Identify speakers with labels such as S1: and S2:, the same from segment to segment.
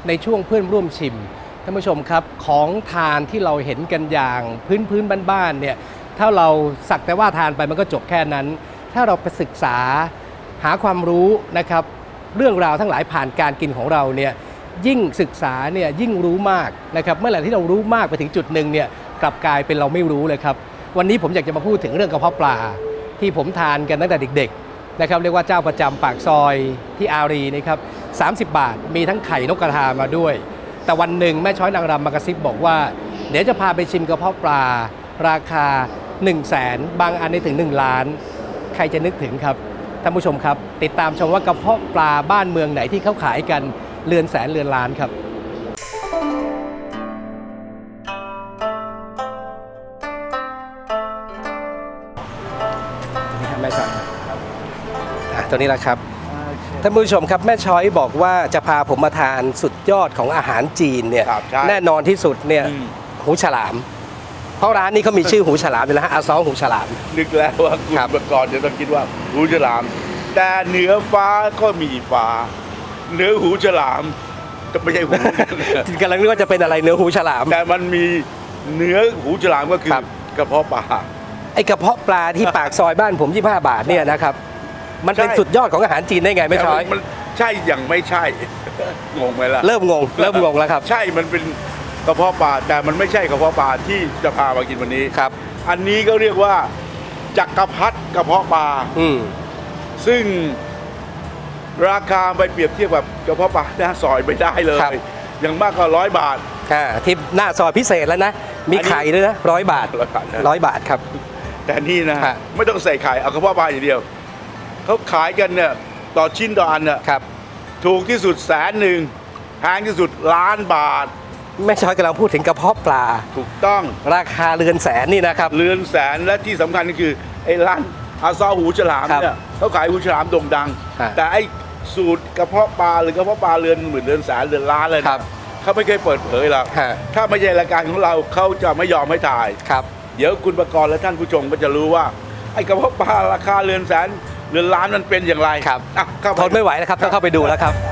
S1: ในช่วงเพื่อนร่วมชิมท่านผู้ชมครับของทานที่เราเห็นกันอย่างพื้นบ้านๆเนี่ยถ้าเราสักแต่ว่าทานไปมันก็จบแค่นั้นถ้าเราไปศึกษาหาความรู้นะครับเรื่องราวทั้งหลายผ่านการกินของเราเนี่ยยิ่งศึกษาเนี่ยยิ่งรู้มากนะครับเมื่อไหร่ที่เรารู้มากไปถึงจุดหนึ่งเนี่ยกลับกลายเป็นเราไม่รู้เลยครับวันนี้ผมอยากจะมาพูดถึงเรื่องกระเพาะปลาที่ผมทานกันตั้งแต่เด็กๆนะครับเรียกว่าเจ้าประจำปากซอยที่อารีนะครับ30 บาทมีทั้งไข่นกกระทามาด้วยแต่วันหนึ่งแม่ช้อยนางรำมากระซิบบอกว่าเดี๋ยวจะพาไปชิมกระเพาะปลาราคา 100,000 บางอันได้ถึง1 ล้านใครจะนึกถึงครับท่านผู้ชมครับติดตามชมว่ากระเพาะปลาบ้านเมืองไหนที่เขาขายกันเรือนแสนเรือนล้านครับนี่ครับแม่ช้อยตัวนี้แหละครับท่านผู้ชมครับแม่ช้อยบอกว่าจะพาผมมาทานสุดยอดของอาหารจีนเนี่ยแน่นอนที่สุดเนี่ยหูฉลามเพราะร้านนี้เขามีชื่อหูฉลามอยู่แล้วฮะอาซอหูฉลาม
S2: นึกแล้วว่าคุณประกรณ์จะต้องคิดว่าหูฉลามแต่เหนือฟ้าก็มีฟ้าเหนือหูฉลามจะไม่ใช่หู
S1: กำลังนึกว่าจะเป็นอะไรเนื้อหูฉลาม
S2: แต่มันมีเนื้อหูฉลามก็คือกระเพาะปลา
S1: ไอกระเพาะปลาที่ปากซอยบ้านผม25 บาทเนี่ยนะครับมันเป็นสุดยอดของอาหารจีนได้ไงไม่ช้อย
S2: มันใช่อย่างไม่ใช่ งงไหมล่ะ
S1: เริ่มงงแล้วครับ
S2: ใช่มันเป็นกระเพาะปลาแต่มันไม่ใช่กระเพาะปลาที่จะพามากินวันนี้
S1: ครับ
S2: อันนี้ก็เรียกว่าจักรพรรดิกระเพาะปลาซึ่งราคาไปเปรียบเทียบกับกระเพาะปลาหน้าซอยไม่ได้เลยอย่างมากก็100 บาท
S1: ที่หน้าซอยพิเศษแล้วนะมีไข่ด้วยนะ100 บาท100 บาทครับ
S2: แต่นี่นะไม่ต้องใส่ไข่เอากระเพาะปลาอย่างเดียวเขาขายกันเนี่ยต่อชิ้นต่ออันเนี่ยถูกที่สุด100,000แพงที่สุด1,000,000 บาท
S1: แม่ช้อยกำลังพูดถึงกระเพาะปลา
S2: ถูกต้อง
S1: ราคาเรือนแสนนี่นะครับ
S2: เรือนแสนและที่สำคัญก็คือไอ้ร้านอาซอหูฉลามเนี่ยเขาขายหูฉลามโด่งดังแต่ไอ้สูตรกระเพาะปลาหรือกระเพาะปลาเรือนหมื่นเรือนแสนเรือนล้านเลยนะเขาไม่เคยเปิดเผยหรอกถ้าไม่ใช่รายการของเราเขาจะไม่ยอมให้ถ่ายเดี๋ยวคุณประกรณ์และท่านผู้ชมก็จะรู้ว่าไอ้กระเพาะปลาราคาเรือนแสนเรือนล้านมันเป็นอย่างไร
S1: ครับทนไม่ไหวแล้วครับต้องเข้าไปดูแล้วครับ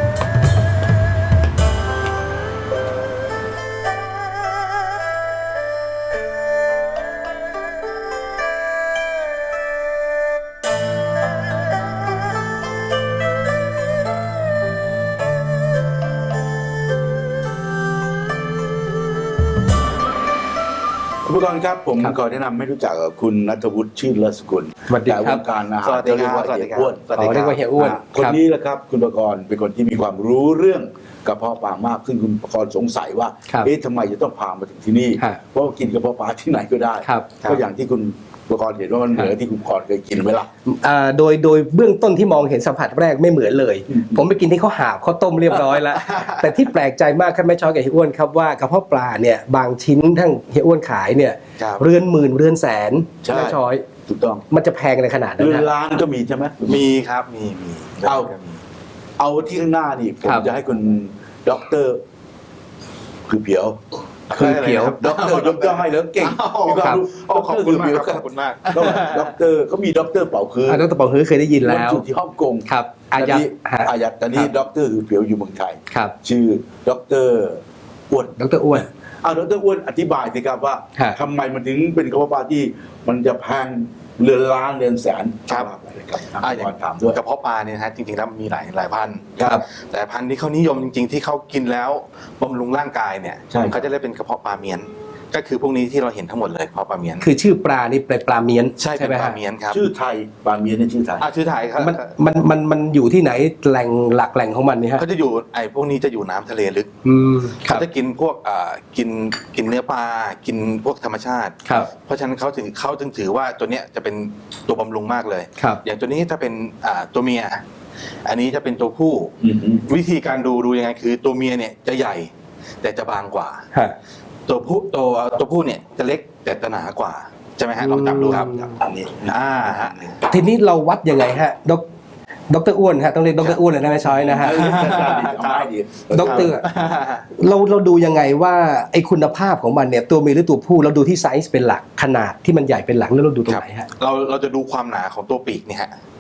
S2: ผู้กองครับผมขอแนะนำให้รู้จักกับคุณณัฐวุฒิชื่นเลิศสกุลแต่วงการอาหารเรียกว่าเฮียอ้วนคนนี้แหละครับคุณประกรณ์เป็นคนที่มีความรู้เรื่องกระเพาะปลามากซึ่งคุณประกรณ์สงสัยว่าทำไมจะต้องพามาถึงที่นี่เพราะกินกระเพาะปลาที่ไหนก็ได้ก็อย่างที่คุณประกรณ์เห็นว่ามันเหมือนที่คุณประกรณ์เคยกินไหมล่ะ
S1: โดยเบื้องต้นที่มองเห็นสัมผัสแรกไม่เหมือนเลยผมไปกินที่เขาหาบเขาต้มเรียบร้อยแล้วแต่ที่แปลกใจมากครับแม่ช้อยกับเฮียอ้วนครับว่ากระเพาะปลาเนี่ยบางชิ้นทั้งเฮียอ้วนขายเนี่ยเรือนหมื่นเรือนแสนแม่ช้อย
S2: ถูกต้อง
S1: มันจะแพงในขนาดนั้น
S2: เรือนล้านก็มีใช่ไหม
S3: มีครับมี
S2: เอาที่ข้างหน้านี่ผมจะให้คุณด็อกเตอร์คือเพียวด็อกเตอร์ยกย่องให้แล้วเก่ง
S3: ขอบคุณมากขอบคุณมาก
S2: ด็อกเตอร์เขามีด็อกเตอร์เป่าคือ
S1: ด็อกเตอร์เป่าคือเคยได้ยินแล้ว
S2: อยู่ที่ฮ่องกง
S1: ครับ
S2: อายัดตอนนี้ด็อกเตอร์คือเพียวอยู่เมืองไทยชื่อด็อกเตอร์อ้วน
S1: ด็อกเตอร์อ้วน
S2: ดร.อ้วนอธิบายสิครับว่าทำไมมันถึงเป็นกระเพาะปลาที่มันจะแพงเรือนล้านเรือนแสน
S3: ครับ
S2: อย่างถามด้วย
S3: กระเพาะปลาเนี่ยนะจริงๆแล้วมีหลายพันธุ์แต่พันธุ์ที่เขานิยมจริงๆที่เขากินแล้วบำรุงร่างกายเนี่ยเขาจะเรียกเป็นกระเพาะปลาเมียนก็คือพวกนี้ที่เราเห็นทั้งหมดเลยกระเพาะปลาเมียน
S1: คือชื่อปลานี่เป็นปลาเมียน
S3: ใช่เป็นปลาเมียนครับ
S2: ชื่อไทยปลาเมียนนี่ชื่อไทย
S3: ชื่อไทยครับ
S1: มันอยู่ที่ไหนแหล่งของมันนี่ฮะ
S3: เขาจะอยู่พวกนี้จะอยู่น้ำทะเลลึกเขาจะกินพวกกินเนื้อปลากินพวกธรรมชาติเพราะฉะนั้นเขาจึงถือว่าตัวเนี้ยจะเป็นตัวบำรุงมากเลยอย่างตัวนี้ถ้าเป็นตัวเมียอันนี้จะเป็นตัวผู้วิธีการดูยังไงคือตัวเมียเนี่ยจะใหญ่แต่จะบางกว่าตัวผู้เนี่ยจะเล็กแต่จะหนากว่าใช่ไหมฮะลองจับดูครับอันนี้
S1: ฮะทีนี้เราวัดยังไงฮะดร.อ้วนฮะต้องเรียกดร.อ้วนเลยนะไม่ช้อยนะฮะดร.เราดูยังไงว่าไอ้คุณภาพของมันเนี่ยตัวเมียหรือตัวผู้เราดูที่ไซส์เป็นหลักขนาดที่มันใหญ่เป็นหลักแล้วเราดูตรงไหนฮะ
S3: เราจะดูความหนาของตัวปีกเนี่ยฮะ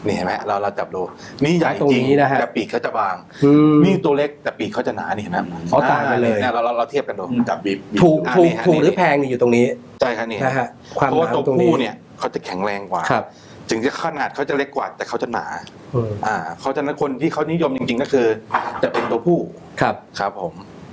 S3: นี่เห็นไหมเราจับดูนี่ใหญ่
S1: ตรง
S3: จริง
S1: นี้นะฮะ
S3: แต่ปีกเขาจะบางนี่ตัวเล็กแต่ปีกเขาจะหนานี่เห็นไหม
S1: อ๋อต่างกันเลย
S3: นี่เราเทียบกันดู
S2: จับบีบ
S1: ถูก
S3: นี่ฮะ
S1: หรือแพงนี่อยู่ตรงนี้
S3: ใช่ครับนี่
S1: นะฮะความ
S3: เพราะว่า
S1: หนา
S3: ตัว
S1: ตรงนี้
S3: ผู้เนี่ยเขาจะแข็งแรงกว่า
S1: ครับ
S3: ถึงจะขนาดเขาจะเล็กกว่าแต่เขาจะหนา
S1: อืม
S3: เขาจะนั้นคนที่เขานิยมจริงๆก็คือจะเป็นตัวผู้
S1: ครับ
S3: ครับผม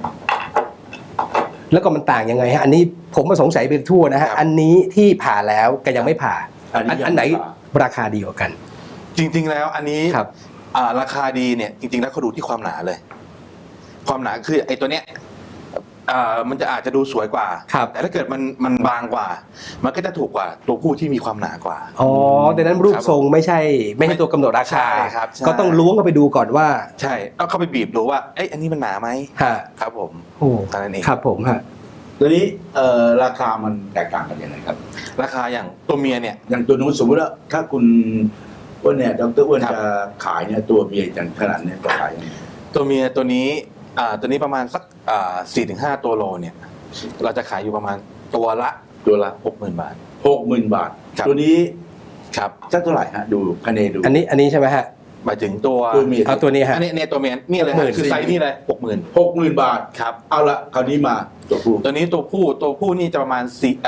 S1: แล้วก็มันต่างยังไงฮะอันนี้ผมมาสงสัยไปทั่วนะฮะ
S3: ครับ
S1: อันนี้ที่ผ่าแล้วก็ยังไม่ผ่า อันไหน
S2: ยังม่ผ่า
S1: ราคาดีกว่ากัน
S3: จริงๆแล้วอันนี้
S1: ครับ
S3: ราคาดีเนี่ยจริงๆแล้วเขาดูที่ความหนาเลย ความหนาคือไอ้ตัวเนี้ยมันจะอาจจะดูสวยกว่า
S1: ครับ
S3: แต่ถ้าเกิดมันบางกว่า มันก็จะถูกกว่าตัวผู้ที่มีความหนากว่า
S1: อ๋อดังนั้นรูปทรงไม่ใช่ตัวกำหนดราคา
S3: ใช่ครับใช่
S1: ก็ต้องล้วงเข้าไปดูก่อนว่า
S3: ใช่ต้องเข้าไปบีบดูว่าเอ้ยอันนี้มันหนาไหม
S1: ฮะ
S3: ครับผม
S1: โอ้
S3: เท่านั้นเอง
S1: ครับผมฮะ
S2: ตัวนี้ราคามันแตกต่างกันยังไงครับ
S3: ราคาอย่างตัวเมียเนี่ย
S2: อย่างตัวนู้นสมมติว่าถ้าคุณอ้วนเนี่ยดรอ้วน
S3: ครับ
S2: จะขายเนี่ยตัวเมียอย่างขนาดเนี่ยจะขายยังไง
S3: ตัวเมียตัวนี้ประมาณสัก4-5 ตัวโลเนี่ยเราจะขายอยู่ประมาณตัวละ 60,000 บาท
S2: 60,000 บาท
S3: ครับ
S2: ตัวนี้
S3: ครับ
S2: สักเท่าไหร่ฮะดูคะแนนดู
S1: อันนี้ใช่ไหมฮะ
S3: หมายถึงตัว
S2: ตัวเมีย
S1: เอาตัวนี้ฮะ
S3: อันนี้เนี่ยตัวเมียนี่เลยฮะ
S1: 60,000
S3: คือไซส์นี่เลย60,000
S2: 60,000 บาท
S3: ครับ
S2: เอาละคราวนี้มาตัวผู้
S3: ตัวนี้ตัวผู้นี่จะประมาณ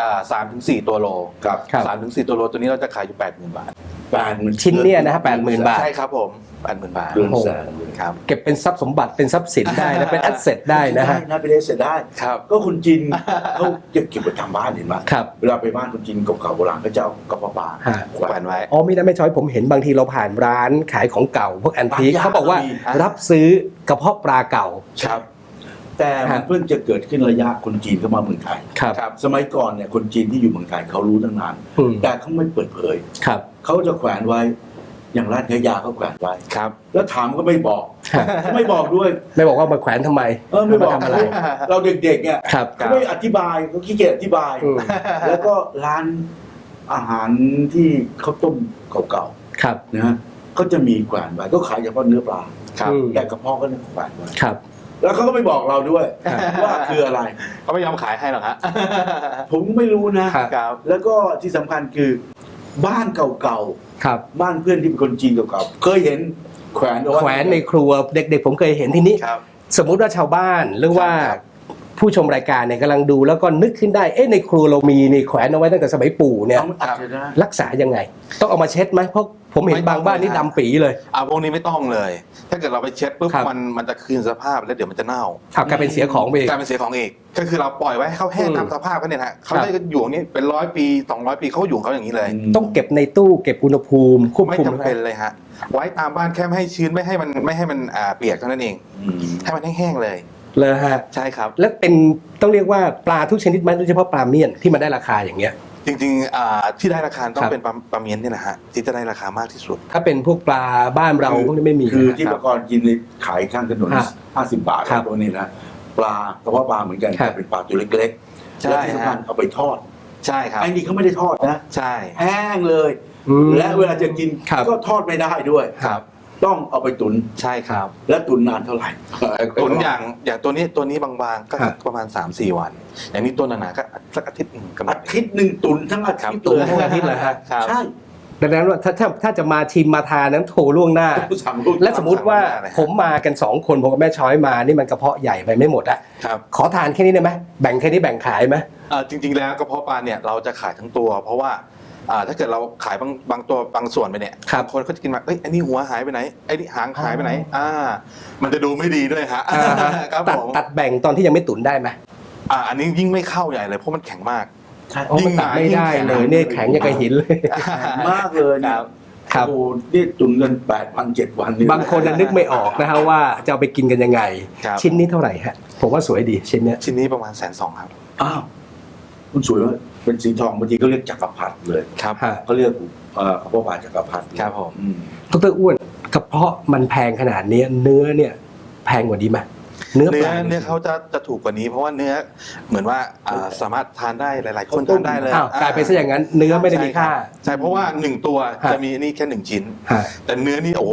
S3: 3-4 ตัวโล
S2: ครับ
S1: ครับ
S3: 3-4 ตัวโลตัวนี้เราจะขายอยู่ 80,000 บาท
S2: 80,000
S1: ชิ้นเนี่ยนะฮะ80,000 บาท
S3: ใช่ครับผม 80,000 บาท
S2: เดือนแสน
S3: ครับ
S1: เก็บเป็นทรัพย์สมบัติเป็นทรัพย์สินได้นะเป็นแอสเซทได้นะฮะ
S2: ได้เป็นเอสเสร็จได้
S3: ครับ
S2: ก็คนจีนเขาเก็บไว้ทำบ้านเห็นไหม
S1: ครับ
S2: เวลาไปบ้านคนจีนเก่าๆโบราณก็จะเอากระเป๋าปลา
S1: ฮะ
S2: แขว
S3: แขวน นไว้
S1: อ๋อไม่ช้อยผมเห็นบางทีเราผ่านร้านขายของเก่าพวกแอนทีค
S2: ร้านยา
S1: เขาบอกว่า
S2: ก็มี
S1: รับซื้อกระเพาะปลาเก่า
S3: ครับ
S2: แต่มัน
S1: ฮะ
S2: เพิ่งจะเกิดขึ้นระยะคนจีนเข้ามาเมืองไทย
S1: ครับ
S3: ครับ
S2: สมัยก่อนเนี่ยคนจีนที่อยู่เมืองไทยเขารู้ตั้งนาน
S1: อืม
S2: แต่เขาไม่เปิดเผย
S1: ครับ
S2: เขาจะแขวนไว้ อย่างร้านขายยาเขาแขวนไว้
S3: ครับ
S2: แล้วถามก็ไม่บอก
S1: ฮะ
S2: ไม่บอกด้วย
S1: ไม่บอกว่ามาแขวนทำไม
S2: ไม่บอก
S1: าทำอะไร
S2: เราเด็กๆเนี่ย
S1: ครับ
S2: เขาไม่อธิบายเขาขี้เกียจอธิบาย
S1: อืม
S2: แล้วก็ร้านอาหารที่เขาต้มเก่า
S1: ครับ
S2: ๆนะฮะก็จะมีแขวนไว้ก็ขายเฉพาะเนื้อปลา
S3: ครับ
S1: อืม
S2: แต่กระเพาะก็เนี่ยแขวนไว้
S1: ครับ
S2: แล้วเขาก็ไม่บอกเราด้วย
S1: ครับ
S2: ว่าคืออะไร
S3: เขาไม่ยอมขายให้หรอกฮะ
S2: ผมก็ไม่รู้นะ
S1: ครับ
S3: ครับ
S2: แล้วก็ที่สำคัญคือบ้านเก่า
S1: ครับ
S2: ๆบ้านเพื่อนที่เป็นคนจีนเก่าๆเคยเห็นแขวนเอาไว้
S1: แขวนในครัวเด็กๆผมเคยเห็นทีนี้
S3: ครับ
S1: สมมุติว่าชาวบ้านหรือว่า
S3: ครับ
S1: ผู้ชมรายการเนี่ยกำลังดูแล้วก็นึกขึ้นได้เอ๊ะในครัวเรามีนี่แขวนเอาไว้ตั้งแต่สมัยปู่เนี่ย
S2: เอาอาจจะได้
S1: รักษายังไง ต้องเอามาเช็ดไหมเพราะผมเห็นบางบ้านนี่ดำปีเลย
S3: พวกนี้ไม่ต้องเลย ถ้าเกิดเราไปเช็ดปุ๊บ
S1: ครับ
S3: มันจะคืนสภาพแล้วเดี๋ยวมันจะเน่า
S1: กลายเป็นเสียของไปอีก
S3: กลายเป็นเสียของอีกก็คือเราปล่อยไว้ให้เขาแห้ง
S1: อืม
S3: ตามสภาพเขาเนี่ยนะเขา
S1: ครับ
S3: ได้อยู่อย่างนี้เป็น100 ปี200 ปีเขาอยู่ของเขาอย่างนี้เลย
S1: ต้องเก็บในตู้เก็บอุณหภูมิควบ
S3: ไม่
S1: คุม
S3: จำเป็นเลยฮะไว้ตามบ้านแค่ไม่ให้ชื้นไม่ให้มันเปียกเท่านั้นเอง
S2: อืม
S3: ให้มันแห้งๆเลย
S1: เลยฮะ
S3: ใช่ครับ
S1: แล้วเป็นต้องเรียกว่าปลาทุกชนิดไหมโดยเฉพาะปลาเมี่ยนที่มันได้ราคาอย่างเงี้ย
S3: จริงๆที่ได้ราคาต้อ
S1: ครั
S3: ง
S1: บ
S3: เป็นปลาเมียนเนี่ยนะฮะที่จะได้ราคามากที่สุด
S1: ถ้าเป็นพวกปลาบ้านเราพวกนี้ไม่มี
S2: คือ
S1: นะ
S2: ที่
S1: ค
S2: ป
S1: รับ
S2: ระกรณ์กินในขายข้างถนน
S1: ฮะ
S2: 50 บาท
S1: ครับ
S2: ตัวนี้นะปลากระเพาะปลาเหมือนกัน
S1: ครับ
S2: แต่เป็นปลาตัวเล็กๆ
S3: ใช่
S2: และที่สำคัญ
S3: ฮะ
S2: เอาไปทอด
S3: ใช่ครับ
S2: ไอ้นี่เขาไม่ได้ทอดนะ
S3: ใช่
S2: แห้งเลย
S1: อืม
S2: และเวลาจะกิน
S1: ครับ
S2: ก็ทอดไม่ได้ด้วย
S3: ครับ
S2: ต้องเอาไปตุน
S3: ใช่ครับ
S2: และตุนนานเท่าไหร่
S3: ตุนอย่างตัวนี้บางๆก็
S1: ครับ
S3: ประมาณ 3-4 วัน อย่างนี้ตัวหนาๆก็สักอาทิตย์หนึ่งกำลั
S2: อาง ทิตย์หนึ่งตุนทั้งอา
S3: ครับ
S2: ทิตย์
S1: ตุน
S2: เลย
S1: ทั้งอาทิตย์เลยฮะ
S3: ครับ
S2: ใช่
S1: ดังนั้นว่าถ้าจะมาชิมมาทานนั้นโทรล่วงหน้า
S2: สั่งลูก
S1: และสมมุติว่า
S3: สั่งล่วงหน้าเลยฮะ
S1: ผมมากัน2คนผมกับแม่ช้อยมานี่มันกระเพาะใหญ่ไปไม่หมดอะ
S3: ครับ
S1: ขอทานแค่นี้ได้ไหมแบ่งแค่นี้แบ่งขายไหม
S3: จริงๆแล้วกระเพาะปลาเนี่ยเราจะขายทั้งตัว เพราะว่าถ้าเกิดเราขายบางตัวบางส่วนไปเนี่ย
S1: ครับ
S3: บางคนเขาจะกินมาเอ้ยไอ้นี่หัวหายไปไหนไอ้นี่หางหายไปไหนมันจะดูไม่ดีด้วยฮะครับ
S1: ตัด
S3: ผม
S1: ตัดแบ่งตอนที่ยังไม่ตุ๋นได้ไหม
S3: อันนี้ยิ่งไม่เข้าใหญ่เลยเพราะมันแข็งมาก
S2: ใช่
S1: โอ้มันตัดไม่ได้เลยเนี่ยแข็งอย่างกับหินเลย
S2: มากเลยเนี่ย
S1: ครับ
S2: โอ้โหนี่ตุนเงิน8 วัน 7 วันนี่
S1: บางคนน่ะนึกไม่ออกนะฮะว่าจะเอาไปกินกันยังไง
S3: ครับ
S1: ชิ้นนี้เท่าไหร่ฮะผมว่าสวยดีชิ้นเนี้ย
S3: ชิ้นนี้ประมาณ120,000ครับ
S2: อ้าวคุณสวยว่าเป็นสีทองบางทีก็เรียกจักรพรรดิเลย
S3: ครับ
S1: ฮะ
S2: เขาเรียกกระเพาะปลาจักรพรรดิ
S3: ครับผม
S2: อืม
S1: ดรอ้วนกระเพาะมันแพงขนาดนี้เนื้อเนี่ยแพงกว่านี้ไหมเนื้อปลา
S3: เนื้อเขาจะถูกกว่านี้เพราะว่าเนื้อเหมือนว่าสามารถทานได้หลายๆคนทานได้เลย
S1: อ้าวกลายเป็นซะอย่างนั้นเนื้อไม่ได้มีค่า
S3: ใช่เพราะว่า1ตัว
S1: ฮะ
S3: จะมีนี่แค่1ชิ้น
S1: ฮะ
S3: แต่เนื้อนี่โอ้โห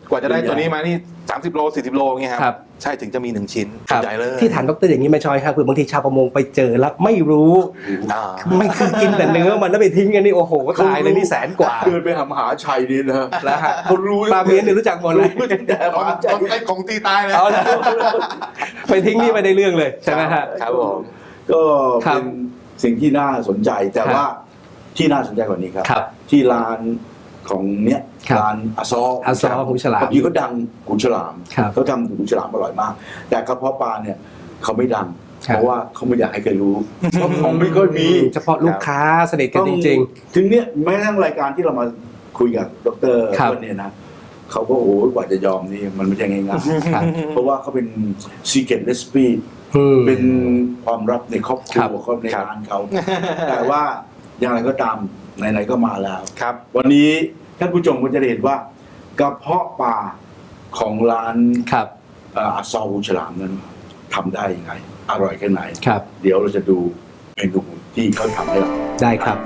S3: กว่าจะได้ตัวนี้มานี่30 โล 40 โลเงี้ย
S1: ค
S3: ค
S1: รั
S3: รับ บใช่ถึงจะมี1ชิ้น
S1: ครับ
S3: ใหญ่เลย
S1: ที่ฐานดรอย่างนี้ไม่ชอยครับคือบางทีชาวประมงไปเจอแล้วไม่รู้
S3: อ่า
S1: มันคือกินแต่เนื้อมันแล้วไปทิ้งกันนี่โอ้โหตายเลยนี่100,000 กว่า
S2: เดินไปหามหาชัยนี่นะ
S1: แล้วฮะ
S2: คนรู้
S1: ปลาเมียนเนี่ยรู้จักหมดเลย
S2: รู้แต่ห
S3: ต้
S2: มาชัย
S3: องไอ้ของตีตายเลย
S1: เอาละไปทิ้งนี่ไม่ได้เรื่องเลยใช่ไหมฮะ
S3: ครับผม
S2: ก็
S1: ครับ
S2: เป็นสิ่งที่น่าสนใจแต่
S1: ครับ
S2: ว่าที่น่าสนใจกว่านี้ครับ
S1: ครับ
S2: ที่ร้านของเนี้ย
S1: ครับ
S2: ร้านอาซอ
S1: อาซอหูฉลาม
S2: บางทีก็ดังหูฉลาม
S1: ครับ
S2: เขาทำหูฉลามอร่อยมาก แต่กระเพาะปลาเนี่ยเขาไม่ดัง
S1: ครับ
S2: เพราะว่าเขาไม่อยากให้ใครรู้เพราะของไม่ค่อยมี
S1: เฉพาะลูกค้าสนิทกันจริง
S2: ถึงเนี้ยแม้กระทั่งรายการที่เรามาคุยกับดร
S1: ครับ
S2: ต้นเนี่ยนะเขาก็โอ้โหกว่าจะยอมนี่มันไม่ใช่ง่าย
S1: ครับ
S2: ๆเพราะว่าเขาเป็น secret recipe
S1: ๆอืม
S2: เป็นความลับในครอบครั
S1: ครั
S2: ว
S1: บ
S2: เขาในร้านเขา แต่ว่าอย่างไรก็ตามไหนๆก็มาแล้ว
S3: ครับ
S2: วันนี้ท่านผู้ชมก็จะได้เห็นว่ากระเพาะปลาของร้าน
S1: ครับ
S2: อาซอหูฉลามนั้นทำได้ยังไง อร่อยแค่ไหน
S1: ครับ
S2: เดี๋ยวเราจะดูเมนูที่เขาทำให้เรา
S1: ได้ครับ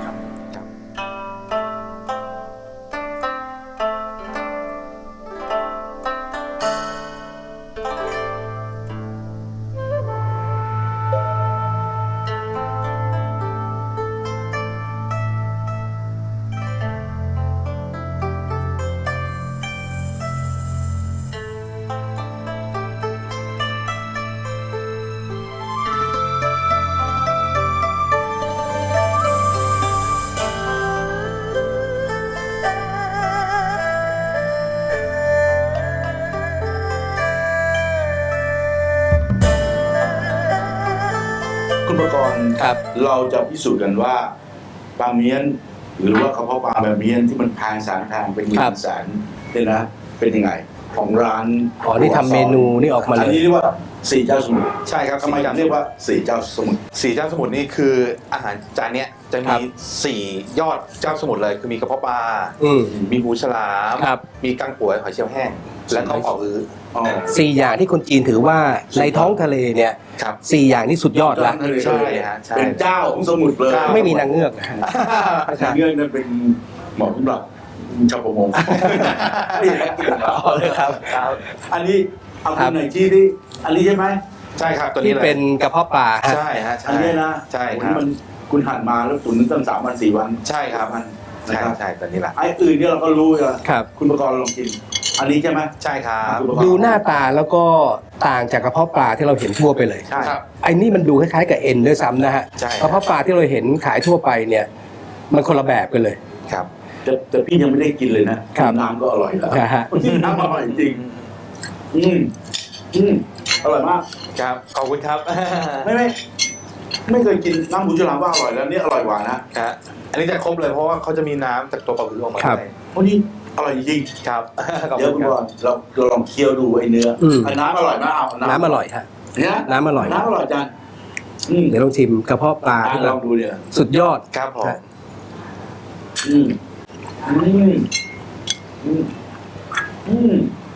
S2: คุณประกรณ์
S1: ครับ
S2: เราจะพิสูจน์กันว่าปลาเมี้ยน หรือว่ากระเพาะปลาแบบเมี้ยนที่มันแพงเป็นหมื่
S1: ครับ
S2: นแสนเนี่ยนะเป็นยังไง ของร้าน
S1: อ๋อนี่ทำเมนูนี่ออกมาเลย
S2: อันนี้เรียกว่าสี่เจ้าสมุทร
S3: ใช่ครับ
S2: ทำไมถึงเรียกว่าสี่เจ้าสมุทร
S3: สี่เจ้าสมุทรนี่คืออาหารจานเนี้ยจะ
S1: ครั
S3: มี
S1: บ
S3: 4 ยอดเจ้าสมุทรเลยคือมีกระเพาะปลา
S1: อืม
S3: มีหูฉลาม
S1: ครับ
S3: มีกังป่วยหอยเชลล์แห้ง และก็ปออื้อ
S2: อ๋อ
S1: 4 อย่างที่คนจีนถือว่าในท้องทะเลเนี่ย
S3: ครับ
S1: 4 อย่างนี้สุดยอดละ
S3: ใช่ฮะใช่
S2: เป็นเจ้าของสมุทรเลย
S1: ไม่มีนางเงือกนะฮะ
S2: นางเงือกนั่นเป็นหมอสำหรับชาวประมง
S1: เอาเลยครับ
S2: อันนี้เอา
S1: ครั
S2: คุ
S1: บ
S2: ณหน่อยที่อันนี้ใช่ไหม
S3: ใช่ครับตัว
S1: ที่
S3: นี้เลย
S1: เป็นกระเพาะปลาฮะ
S3: ใช่ฮะใช่
S2: อันนี้นะ
S3: ใช่
S2: โอ้
S3: ครับ
S2: นี่มันคุณหั่นมาแล้วตุ๋นตั้ง3 วัน 4 วัน
S3: ใช่ครับ
S2: มันนะ
S3: ใช่
S2: ครับ
S3: ใช่ตัวนี้แหละ
S2: ไอ้อื่นเนี่ยเราก็รู้อยู่แล้ว
S1: ครับ
S2: คุณประกรณ์ลองกิน อันนี้ใช่ไหม
S3: ใช่ครับ
S1: ดูหน้าตาแล้วก็ต่างจากกระเพาะปลาที่เราเห็นทั่วไปเลย
S3: ใช่ครับ
S1: ไอ้นี่มันดูคล้ายๆกับเอ็นด้วยซ้ำนะฮะ
S3: ใช่
S1: กระเพาะปลาที่เราเห็นขายทั่วไปเนี่ย มันคนละแบบกันเลย
S3: ครับ
S2: แต่พี่ยังไม่ได้กินเลยนะครับ น้ำก็อร่อยแล้ว
S1: นะฮะ
S2: น้ำอร่อยจริงอืมอืมอร่อยมาก
S3: ครับขอบคุณครับ
S2: ไม่เคยกินน้ำหูฉลามว่าอร่อยแล้วเนี่ยอร่อยกว่านะ
S3: ครับอันนี้จะครบเลยเพราะว่าเขาจะมีน้ำจากตัวปลาอื้อออกมา
S1: ครับ
S3: ด้วย
S2: เพราะนี่อร่อยจริง
S3: ครับขอบ
S2: เดี๋ยว
S3: คุ
S2: คุณ
S3: ณ
S2: บ
S3: ค
S2: อ
S3: รับ
S2: ลเราลองเคี่ยวดูไอ้เนื้ออ
S1: ม
S2: ไอ้น้ำอร่อยนะเอา
S1: น้ำอร่อยฮะ
S2: เนี่ย
S1: น้ำอร่อย
S2: น้ำอร่อยจังอืม
S1: เดี๋ยวลองชิมกระเพาะปลาที่แบ
S2: ล
S1: บ
S2: องดูเนี่ย
S1: สุดยอด
S3: ครับผม
S2: อืมอืมอืมอืม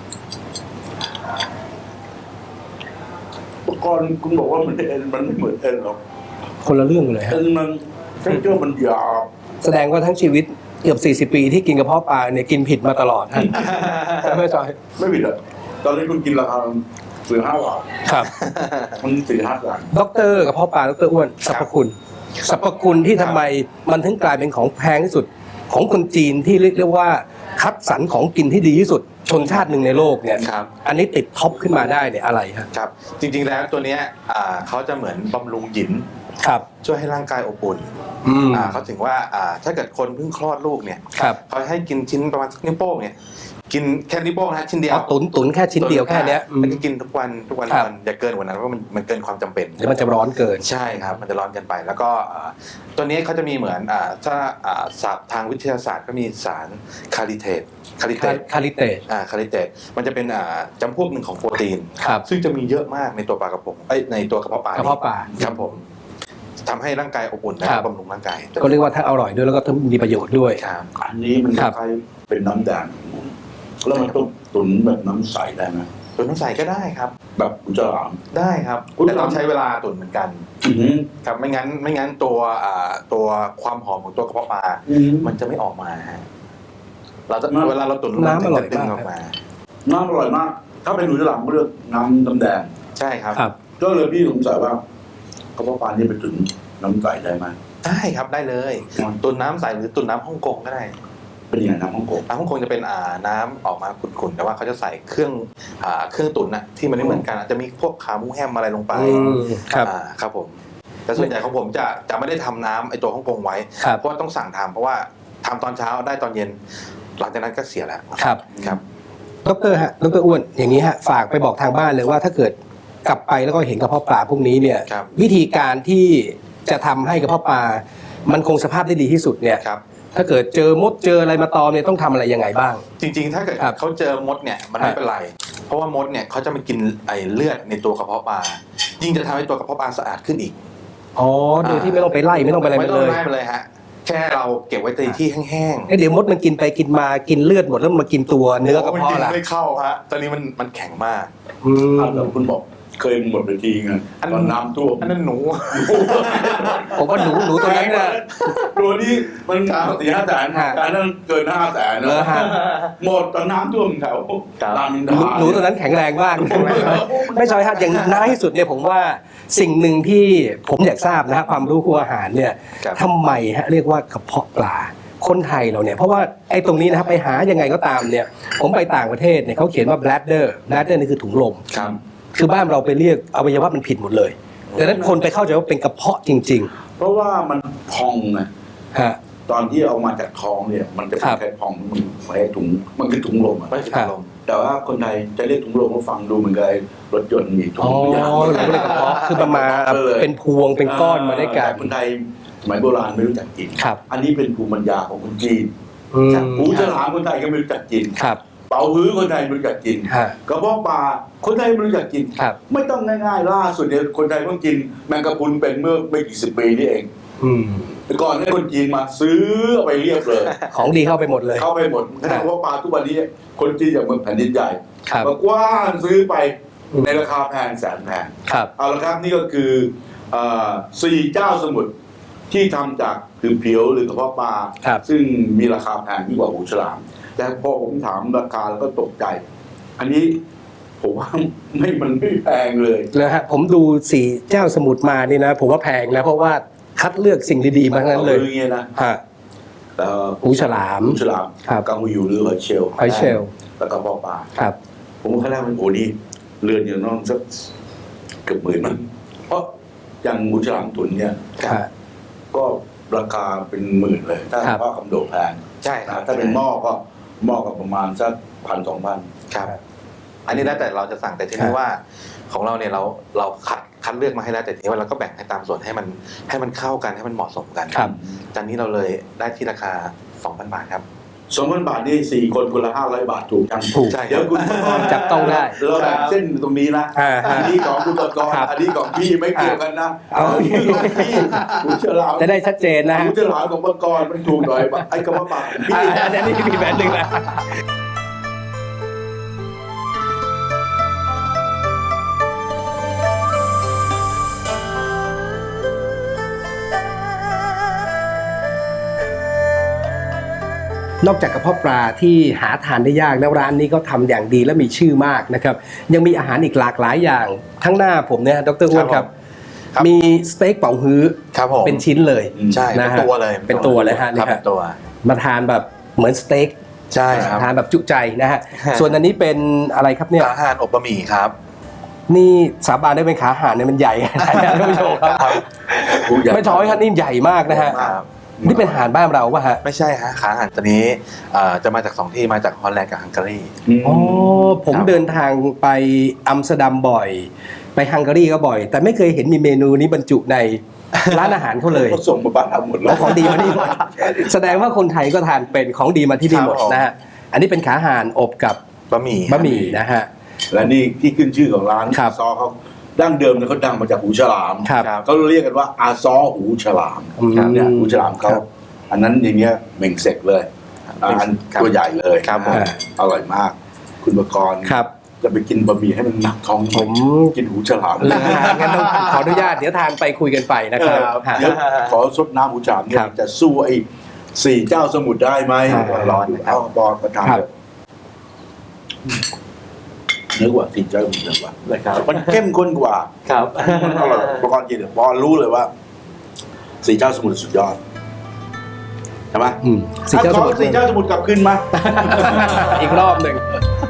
S2: อุปกรณ์คุณบอกว่ามันเอ็นมันไม่เหมือนเอ็นหรอก
S1: คนละเรื่องเลยฮะ
S2: เอ็นมันเท็กเจอร์มันหยาบ
S1: แสดงว่าทั้งชีวิตเกือบ40 ปีที่กินกระเพาะปลาเนี่ยกินผิดมาตลอดฮะใช่ไหมจอย
S2: ไม่ผิดอะตอนนี้คุณกินราคา4-5 บาท
S1: ครับ
S2: มัน4-5 บาท
S1: ด็อกเตอร์กระเพาะปลาด็อกเตอร์อ้วนสรรพคุณสรรพคุณที่ทำไมมันถึงกลายเป็นของแพงที่สุด ของคนจีนที่เรียกว่าคัดสรรของกินที่ดีที่สุด ชนชาติหนึ่งในโลกเนี่ย
S3: ครับ
S1: อันนี้ติดท็อปขึ้นมาได้เนี่ยอะไรฮะ
S3: ครับ จริงๆแล้วตัวเนี้ยเขาจะเหมือนบำรุงหยิน
S1: ครับ
S3: ช่วยให้ร่างกายอบอุ่น
S1: อืม
S3: เขาถึงว่าถ้าเกิดคนเพิ่งคลอดลูกเนี่ย
S1: ครับ
S3: เขาให้กินชิ้นประมาณสักนิ้วโป้งเนี่ยกินแค่นิ้วโป้งนะฮะชิ้นเดียว
S1: เอาตุ๋นแค่ชิ้นเดียวแค่เนี้ยอืม
S3: แล้วก็กินทุกวันทุกวัน
S1: ครับ
S3: อย่าเกินกว่านั้นเพราะมันเกินความจำเป็น
S1: เดี๋ยวมันจะร้อนเกิน
S3: ใช่ครับมันจะร้อนเกันไป แล้วก็ตัวนี้เขาจะมีเหมือนถ้าศัพท์ทางวิทยาศาสตร์ก็มีสารคาลิเทตคาลิเตต
S1: คาลิเตต
S3: คาลิเตตมันจะเป็นจำพวกหนึ่งของโปรตีน
S1: ครับ
S3: ซึ่งจะมีเยอะมากในตัวปลากระพงในตัวกระเพาะปลาก
S1: ระเพาะปลา
S3: ครับผมทำให้ร่างกายอบอุ่นและ
S1: ครับ
S3: บำรุงร่างกาย
S1: ก็เรียกว่าถ้าอร่อยด้วยแล้วก็ต้องมีประโยชน์ด้วย
S3: ครับ
S2: อันนี้มัน
S1: ครับ
S2: คล้ายๆเป็นน้ำแดงแล้วมันต้องตุ๋นแบบน้ำใสได้ไหม
S3: ตุ๋นน้ำใสก็ได้ครับ
S2: แบบกุจราม
S3: ได้ครับ
S2: อุ๊ย
S3: แต่ต้องใช้เวลาตุ๋นเหมือนกัน
S2: อือหือ
S3: ครับไม่งั้นตัวความหอมของตัวกระเพาะปลา
S2: อือหือ
S3: มันจะไม่ออกมาฮะเราจะ
S2: น้ำ
S3: เวลาเราตุ๋น
S1: น้ำอร่อย
S3: จะดึง
S1: มาก
S3: ออกมา
S2: น้ำอร่อยมากถ้าเป็นหนูฉลามก็เลือกน้ำแดง
S3: ใช่ครับ
S2: ก็เลยพี่สงสัยว่ากระเพาะปลานี่ไปถึงน้ำไก่ได้ไหม
S3: ได้ครับได้เลยตุนน้ำใสหรือตุนน้ำฮ่องกงก็ได้
S2: เป็นยังไงน้ำฮ่องกง
S3: น้ำฮ่องกงจะเป็นน้ำออกมาขุ่นๆแต่ว่าเขาจะใส่เครื่องตุ๋นนะที่มันไม่เหมือนกันอาจจะมีพวกขาหมูแฮมอะไรลงไปครับผมแต่ส่วนใหญ่ของผมจะไม่ได้ทำน้ำไอตัวฮ่องกงไว้เพราะว่าต้องสั่งทำเพราะว่าทำตอนเช้าได้ตอนเย็นหลังจากนั้นก็เสียแล้วครับ
S1: ดร.ฮะดร.อ้วนอย่างนี้ฮะฝากไปบอกทางบ้านเลยว่าถ้าเกิดกลับไปแล้วก็เห็นกระเพาะปลาพวกนี้เนี่ยวิธีการที่จะทำให้กระเพาะปลามันคงสภาพได้ดีที่สุดเนี่ยถ้าเกิดเจอมดเจออะไรมาตอมเนี่ยต้องทำอะไรยังไงบ้าง
S3: จริงๆถ้าเกิดเขาเจอมดเนี่ยมันไม่เป็นไรเพราะว่ามดเนี่ยเขาจะมากินไอเลือดในตัวกระเพาะปลายิ่งจะทำให้ตัวกระเพาะปลาสะอาดขึ้นอีก
S1: อ๋อโดยที่ไม่ต้องไปไล่ไม่ต้องไปอะไรเลย
S3: ไม่เลยฮะแค่เราเก็บไว้ในที่แห้ง
S1: ๆเดี๋ยวมดมันกินไปกินมากินเลือดหมดแล้วมากินตัวเนื้อกระเพาะล่ะ
S3: ไม่เข้าฮะตอนนี้มันแข็งมาก
S2: แล้วคุณบอกเคยหมดไปทีไงตอนน้ำท่วม
S3: อันนั้นหนู
S1: ผมว่าหนูตัวนั้นน่ะ
S2: ตัวนี้มัน4-5 แสนอันนั้นเกิน5 แสนหมดตอนน้ำท่วมแถวรามอินทรา
S1: หนูตัวนั้นแข็งแรงมากไม่ใช่ฮะอย่างน้อยที่สุดเนี่ยผมว่าสิ่งหนึ่งที่ผมอยากทราบนะฮะความรู้ครัวอาหารเนี่ยทำไมฮะเรียกว่ากระเพาะปลาคนไทยเราเนี่ยเพราะว่าไอ้ตรงนี้นะครับไปหายังไงก็ตามเนี่ยผมไปต่างประเทศเนี่ยเขาเขียนว่า bladder นี่คือถุงลมคือบ้านเราไปเรียกอวัยวะมันผิดหมดเลยดังนั้นคนไปเข้าใจว่าเป็นกระเพาะจริง
S2: ๆเพราะว่ามันพองไงตอนที่เอามาจากท้องเนี่ยมันจะเป็นแค่พองมันไม่ถุงมันคือถุงลมไม่ใช่ถุงลมแต่ว่าคนไทยจะเรียกถุงลมก็ฟังดูเหมือนกับรถยนต์มีถุงยาง
S1: เราเรียกกระเพาะคือประมาณเป็นพวงเป็นก้อนมาได้กัน
S2: คนไทยสมัยโบราณไม่รู้จักกินอันนี้เป็นภูมิปัญญาของคนจีนหูฉลามคนไทยก็ไม่รู้จักกินเป่าฮื้อคนไทยไม่รู้จักกินกระเพาะปลาคนไทยไม่รู้จักกินไม่ต้องง่ายๆล่าสุดเนี่ยคนไทยเพิ่งกินแมงกะพรุนเป็นเมื่อไม่กี่สิบปีนี่เองแต่ก่อนให้คนจีนมาซื้อเอาไปเรียบเลย
S1: ของดีเข้าไปหมดเลย
S2: เข้าไปหมดกระเพาะปลาทุกวันนี้คนจีนอย่างเมืองแผ่นดินใหญ่มากว้านซื้อไปในราคาแพงแสนแพงเอาละครับนี่ก็คือ4 เจ้าสมุทรที่ทำจากคือเพียวหรือกระเพาะปลาซึ่งมีราคาแพงยิ่งกว่าหูฉลามแต่พอผมถามราคาแล้วก็ตกใจอันนี้ผมว่ามันไม่แพงเลย
S1: นะฮะผมดู4 เจ้าสมุทรมานี่นะผมว่าแพงนะเพราะว่าคัดเลือกสิ่งดีๆมาทั้งนั้นเลย
S2: อย่างเงี้ยนะ
S1: หูฉลาม
S2: กังหูหรือหอยเชลล์แล้วก็กระเพาะปลาผมว่าขั้นแรกมันโอ้นี่เรือนอย่างน้องสักเกือบ10,000มั้งเพราะอย่างหูฉลามตุนเนี่ยก็ราคาเป็น10,000เลยถ้าเพราะคำโดดแพง
S3: ใช่
S2: ถ้าเป็นหม้อก็ประมาณสัก1,000-2,000
S3: ครับอันนี้แล้วแต่เราจะสั่งแต่ทีนี้ว่าของเราเนี่ยเราคัดเลือกมาให้แล้วแต่ทีนี้ว่าเราก็แบ่งให้ตามส่วนให้มันเข้ากันให้มันเหมาะสมกันจานนี้เราเลยได้ที่ราคา 2,000 บาทครับ
S2: 2,000 บาทนี่4 คนคนละ500 บาทถูกจังเดี๋ยวคุณ
S1: จับต้องได้
S2: เราแบ่งเส้นตรงนี้นะอันนี้ของคุณตะกรอันนี้ของพี่ไม่เกี่ยวกันนะหูฉลาม
S1: จะได้ชัดเจนนะ
S2: หูฉลามของตะกรมันถูกหน่อยไอ้กระเพาะปลา
S1: พี่อันนี้มีแบบนึงนะนอกจากกระเพาะปลาที่หาทานได้ยากแล้วร้านนี้ก็ทำอย่างดีและมีชื่อมากนะครับยังมีอาหารอีกหลากหลายอย่างทั้งหน้าผมเนี่ยดร.อ้วนครับมีสเต็กเป๋าฮื้อเป็นชิ้นเลย
S3: ใช่เป็นตัวเลย
S1: เป็นตัวเลยฮะนี่ครับมาทานแบบเหมือนสเต็ก
S3: ใช่ครับ
S1: ทานแบบจุใจนะฮะส่วนอันนี้เป็นอะไรครับเนี่ย
S3: ขาห่านอบบะหมี่ครับ
S1: นี่สาบานได้เป็นขาห่านเนี่ยมันใหญ่นะท่านผู้ชมครับไม่ท้อยครับนี่ใหญ่มากนะฮะนี่เป็นอาหารบ้านเราป่ะฮะ
S3: ไม่ใช่ฮะขาอาหารตัวนี้จะมาจาก2 ที่มาจากฮอลแลนด์กับฮังการี
S1: อ๋อผมเดินทางไปอัมสเตอร์ดัมบ่อยไปฮังการีก็บ่อยแต่ไม่เคยเห็นมีเมนูนี้บรรจุในร้านอาหารเขาเลย
S2: เขาส่งมาบ้านเราหมดแล้ว
S1: ของดีมาที่หมดแสดงว่าคนไทยก็ทานเป็นของดีมาที่นี่หมดนะฮะอันนี้เป็นขาห่านอบกับบะหมี่นะฮะ
S2: และนี่ที่ขึ้นชื่อของร้านซอเขาดั้งเดิมเนี่ยเขาดังมาจากหูฉลามเขาเรียกกันว่าอาซอหูฉลามเนี่ยหูฉลามเขาอันนั้นอย่างเงี้ยเม่งเสกเลยอันตัวใหญ่เลยอร่อยมากคุณประกรณ์จะไปกินบะหมี่ให้มันหนักท้อง
S1: ผม
S2: กินหูฉลาม
S1: งั้นต้องขออนุญาตเดี๋ยวทานไปคุยกันไปนะครับ
S2: เดี๋ยวขอซดน้ำหูฉลามเนี่ยจะสู้ไอ้4 เจ้าสมุทรได้ไหมร้อนเอาบอลประทานเนื้อกว่าสี่เจ้าสมุทรเนื้อกว่า
S4: นะครับ
S2: มันเข้มข้นกว่า
S4: ครับ
S2: มันอร่อยประกอบกินเนี่ยพอรู้เลยว่าสี่เจ้าสมุทรสุดยอดใช่ไหม
S1: สี่เจ้าสมุทร
S2: สี่เจ้าสมุทรกลับขึ้นมา
S1: อีกรอบหนึ่ง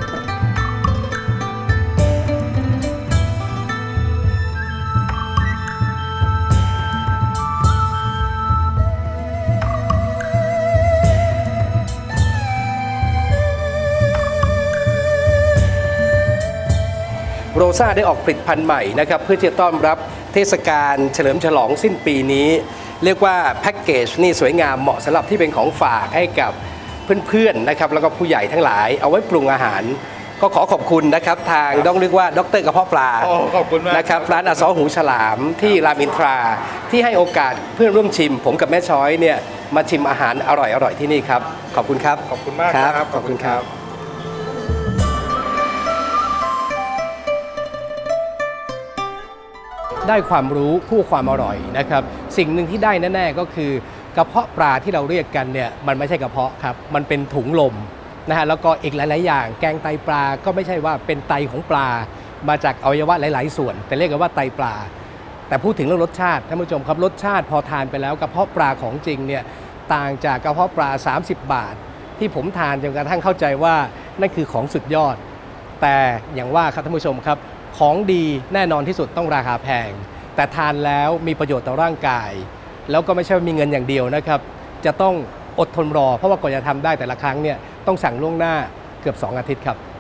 S1: โรซ่าได้ออกผลิตภัณฑ์ใหม่นะครับเพื่อที่จะต้อนรับเทศกาลเฉลิมฉลองสิ้นปีนี้ เรียกว่าแพ็กเกจนี่สวยงามเหมาะสำหรับที่เป็นของฝากให้กับเพื่อนๆนะครับแล้วก็ผู้ใหญ่ทั้งหลายเอาไว้ปรุงอาหาร ก็ขอขอบคุณนะครับทางต้องเรียกว่าดรกระเพาะปลา
S3: ขอบคุณมาก
S1: นะครับร้านอาซอหูฉลามที่รามอินทราที่ให้โอกาสเพื่อนร่วมชิม ผมกับแม่ช้อยเนี่ยมาชิมอาหารอร่อยๆที่นี่ครับขอบคุณครับ
S3: ขอบคุณมากครับ
S1: ขอบคุณครับ ได้ความรู้คู่ความอร่อยนะครับสิ่งหนึ่งที่ได้แน่ๆก็คือกระเพาะปลาที่เราเรียกกันเนี่ยมันไม่ใช่กระเพาะครับมันเป็นถุงลมนะฮะแล้วก็อีกหลายๆอย่างแกงไตปลาก็ไม่ใช่ว่าเป็นไตของปลามาจากอวัยวะหลายๆส่วนแต่เรียกกันว่าไตปลาแต่พูดถึงเรื่องรสชาติท่านผู้ชมครับรสชาติพอทานไปแล้วกระเพาะปลาของจริงเนี่ยต่างจากกระเพาะปลา30 บาทที่ผมทานจนกระทั่งเข้าใจว่านั่นคือของสุดยอดแต่อย่างว่าครับท่านผู้ชมครับของดีแน่นอนที่สุดต้องราคาแพงแต่ทานแล้วมีประโยชน์ต่อร่างกายแล้วก็ไม่ใช่ว่ามีเงินอย่างเดียวนะครับจะต้องอดทนรอเพราะว่ากว่าจะทำได้แต่ละครั้งเนี่ยต้องสั่งล่วงหน้าเกือบ2 อาทิตย์ครับ